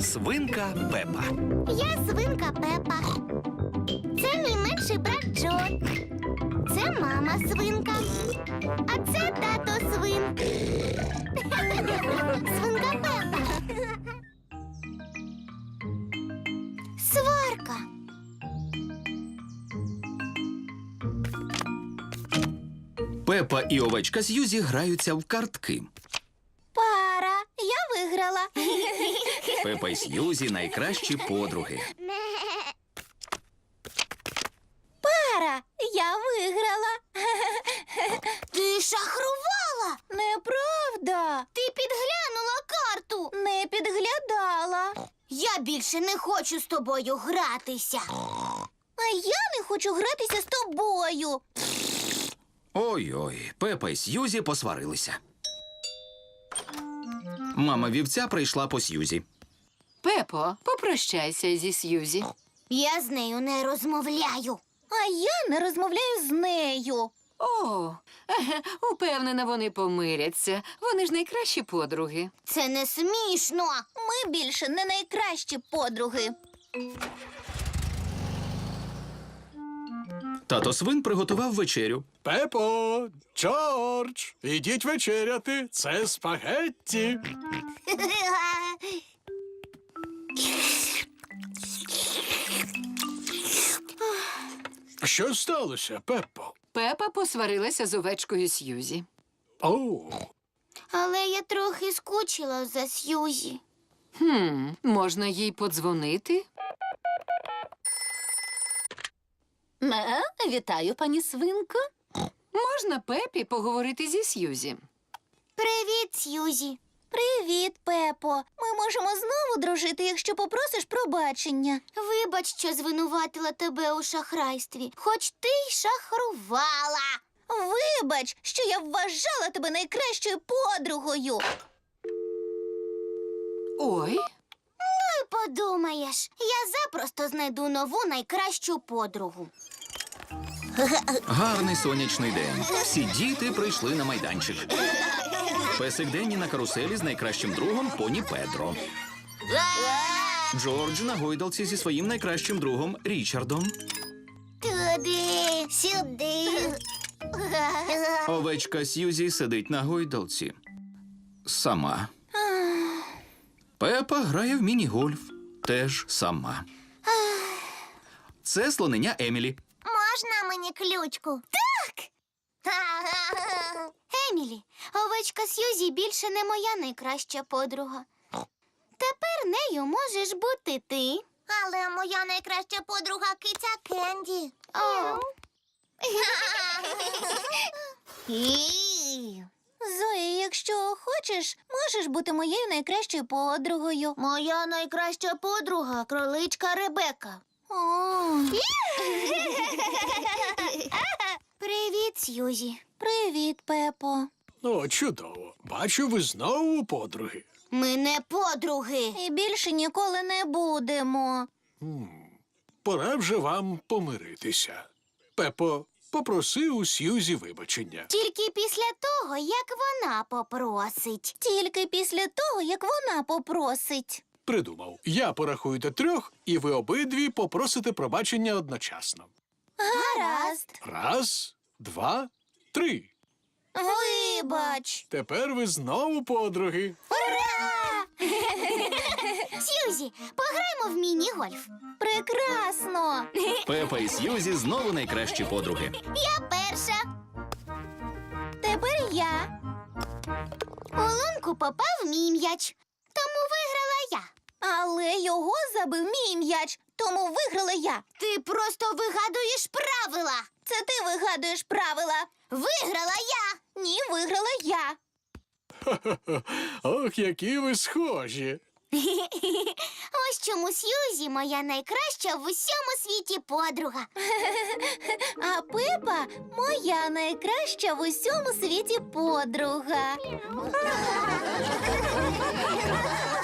Свинка Пепа. Я свинка Пепа. Це мій менший брат Джо. Це мама свинка. А це тато свин. Свинка Пепа. Сварка. Пепа і овечка Сьюзі граються в картки. Пара. Я виграла. Пепа і Сьюзі – найкращі подруги. Пара. Я виграла. Ти шахрувала. Неправда. Ти підглянула карту. Не підглядала. Я більше не хочу з тобою гратися. А я не хочу гратися з тобою. Ой-ой, Пепа і Сьюзі посварилися. Мама вівця прийшла по Сьюзі. Пепо, попрощайся зі Сьюзі. Я з нею не розмовляю. А я не розмовляю з нею. О, упевнена, вони помиряться. Вони ж найкращі подруги. Це не смішно. Ми більше не найкращі подруги. Тато свин приготував вечерю. Пепо, Джордж, ідіть вечеряти. Це спагетті. Що сталося, Пеппо? Пепа посварилася з овечкою Сьюзі. О, Але я трохи скучила за Сьюзі. Можна їй подзвонити? Вітаю, пані свинко. Можна Пепі поговорити зі Сьюзі? Привіт, Сьюзі. Привіт, Пепо. Ми можемо знову дружити, якщо попросиш пробачення. Вибач, що звинуватила тебе у шахрайстві, хоч ти й шахрувала. Вибач, що я вважала тебе найкращою подругою. Ой, Ти подумаєш, я запросто знайду нову найкращу подругу. Гарний сонячний день. Всі діти прийшли на майданчик. Песик Денні на каруселі з найкращим другом поні Педро. Джордж на гойдалці зі своїм найкращим другом Річардом. Туди, сюди. Овечка Сьюзі сидить на гойдалці. Сама. Пепа грає в міні-гольф. Теж сама. Це слонення Емілі. Можна мені ключку? Так! Емілі, овечка Сьюзі більше не моя найкраща подруга. Тепер нею можеш бути ти. Але моя найкраща подруга киця Кенді. Зої, якщо хочеш, можеш бути моєю найкращою подругою. Моя найкраща подруга — кроличка Ребека. Привіт, Сьюзі. Привіт, Пепо. о, чудово. Бачу, ви знову подруги. Ми не подруги. І більше ніколи не будемо. Пора вже вам помиритися. Пепо, попроси у Сьюзі вибачення. Тільки після того, як вона попросить. Тільки після того, як вона попросить. Придумав. Я порахую до 3, і ви обидві попросите пробачення одночасно. Гаразд. 1, 2, 3. Вибач. Тепер ви знову подруги. Ура! Сьюзі, пограємо в міні-гольф. Прекрасно. Пепа і Сьюзі знову найкращі подруги. Я перша. Тепер я. У лунку попав мій м'яч, тому виграла я. Але його забив мій м'яч, тому виграла я. Ти просто вигадуєш правила. Це ти вигадуєш правила. Виграла я. Ні, виграла я. Ох, які ви схожі. Ось чому Сьюзі моя найкраща в усьому світі подруга. А Пепа моя найкраща в усьому світі подруга.